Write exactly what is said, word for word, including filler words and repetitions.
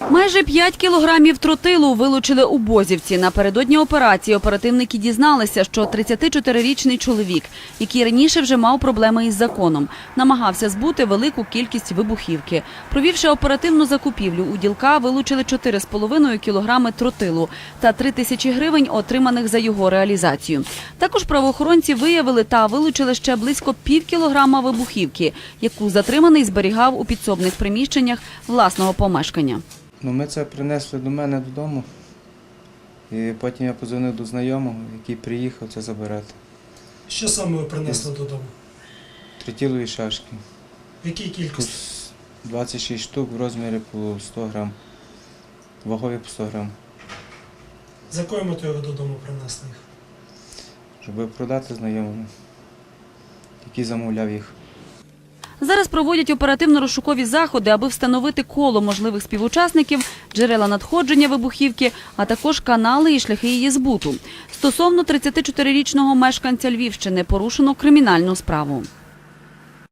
Майже п'ять кілограмів тротилу вилучили у Бозівці. Напередодні операції оперативники дізналися, що тридцятичотирирічний чоловік, який раніше вже мав проблеми із законом, намагався збути велику кількість вибухівки. Провівши оперативну закупівлю, у ділка вилучили чотири з половиною кілограми тротилу та три тисячі гривень, отриманих за його реалізацію. Також правоохоронці виявили та вилучили ще близько пів кілограма вибухівки, яку затриманий зберігав у підсобних приміщеннях власного помешкання. Ну, ми це принесли до мене додому, і потім я подзвонив до знайомого, який приїхав це забирати. Що саме ви принесли додому? Тротилові шашки. В якій кількості? двадцять шість штук в розмірі по сто грам, вагові по сто грам. З якою метою ви додому принесли їх? Щоб продати знайомому, який замовляв їх. Зараз проводять оперативно-розшукові заходи, аби встановити коло можливих співучасників, джерела надходження вибухівки, а також канали і шляхи її збуту. Стосовно тридцятичотирирічного мешканця Львівщини порушено кримінальну справу.